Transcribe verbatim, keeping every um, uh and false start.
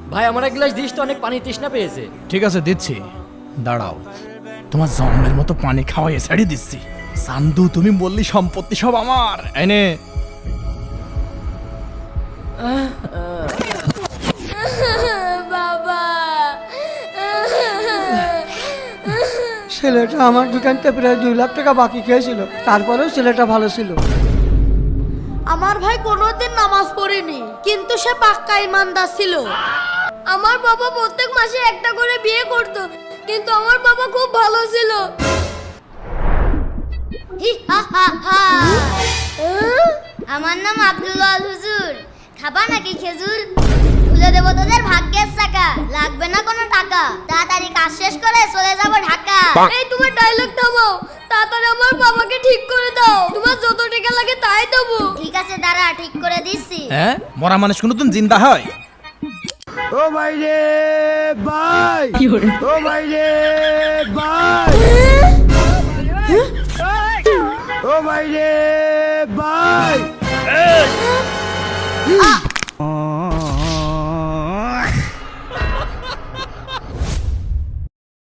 ভাই আমার এক গ্লাস দিস তো, অনেক পানি তৃষ্ণা পেয়েছে। ঠিক আছে দিচ্ছি, দাঁড়াও। তোমার জন্মের মতো পানি খাওয়াই ছাড়ি দিচ্ছি। চান্দু তুমি বললি সম্পত্তি সব আমার, এনে বাবা ছেলেটা আমার দোকানতে প্রায় দুই লাখ টাকা বাকি খেয়েছিল, তারপরেও ছেলেটা ভালো ছিল। আমার ভাই কোনোদিন নামাজ পড়েনি, কিন্তু সে পাক্কা ইমানদার ছিল। আমার বাবা প্রত্যেক মাসে একটা করে বিয়ে করত, কিন্তু আমার বাবা খুব ভালো ছিল। হি হা হা হা। আমার নাম আব্দুল্লাহ হুজুর। খাবা নাকি খেজুর? ভুলে দেবো তোদের ভাগ্যের চাকা, লাগবে না কোনো টাকা। তাড়াতাড়ি কাজ শেষ করে চলে যাব ঢাকা। এই তোমার ডায়লগ থামাও, তাড়াতাড়ি আমার বাবাকে ঠিক করে দাও। তোমার যত টাকা লাগে তাই দেবো। ঠিক আছে দাঁড়া, ঠিক করে দিচ্ছি। হ্যাঁ, মরা মানুষ কোনোদিন জিন্দা হয়? ও ভাই রে ভাই, ও ভাই রে ভাই, ও ভাই রে ভাই।